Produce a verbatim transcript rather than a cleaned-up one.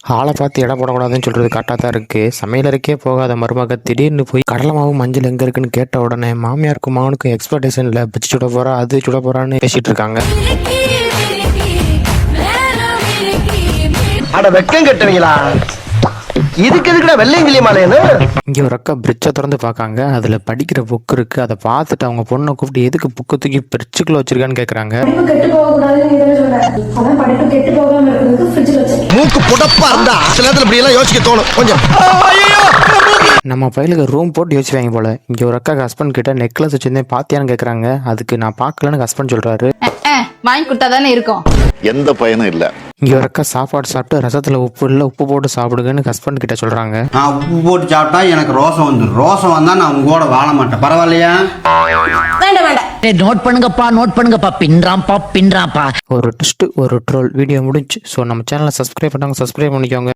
ஆளை பார்த்து இடம் போடக்கூடாதுன்னு சொல்கிறது கரெக்டாக தான் இருக்குது. சமையலறைக்கே போகாத மருமக திடீர்னு போய் கடலை மாவு மஞ்சள் எங்கே இருக்குன்னு கேட்ட உடனே மாமியாருக்கும் மகனுக்கும் எக்ஸ்பெக்டேஷனில் பிச்சு சுட போகிறா அது சுட போகிறான்னு பேசிகிட்டு இருக்காங்க. அட வெக்கம் கட்டுவீங்களா? இதுக்கு எதுக்குடா வெள்ளையங்கிலி மாலையன்னு? இங்கே ஒரு அக்கா பிரிட்ஜை திறந்து பார்க்காங்க. அதில் படிக்கிற புக்கு இருக்குது. அதை பார்த்துட்டு அவங்க பொண்ணை கூப்பிட்டு எதுக்கு புக்கு தூக்கி பிரிட்ஜுக்குள்ளே வச்சிருக்கான்னு கேட்குறாங்க. மூக்கு புடப்பா இருந்தா சில நேரத்துல இப்படி எல்லாம் யோசிக்க தோணும் கொஞ்சம். நம்ம பையலுக்கு ரூம் போட்டு யோசிப்பாங்க போல. இங்கே ஒரு அக்கா ஹஸ்பண்ட் கிட்ட நெக்லஸ் வச்சிருந்தேன் பாத்தியான்னு கேட்குறாங்க. அதுக்கு நான் பார்க்கலன்னு ஹஸ்பண்ட் சொல்கிறாரு. வாங்கி கொடுத்தா தானே இருக்கும். எந்த பயனும் இல்லை. இங்கே ஒரு அக்கா சாப்பாடு சாப்பிட்டு ரசத்தில் உப்பு இல்லை உப்பு போட்டு சாப்பிடுங்கன்னு ஹஸ்பண்ட் கிட்ட சொல்கிறாங்க. நான் உப்பு போட்டு சாப்பிட்டா எனக்கு ரோசம் வந்துடும். ரோசம் வந்தா நான் உங்க கூட வாழ மாட்டேன். பரவாயில்லையா? வேண்டாம் வேண்டாம். நோட் பண்ணுங்கப்பா நோட் பண்ணுங்கப்பா பின்றாம்பா பின்றாம்பா. ஒரு ட்விஸ்ட் ஒரு ட்ரோல் வீடியோ முடிஞ்சு. ஸோ நம்ம சேனலை சப்ஸ்கிரைப் பண்ணாங்க சப்ஸ்கிரைப் பண்ணிக்கோங்க.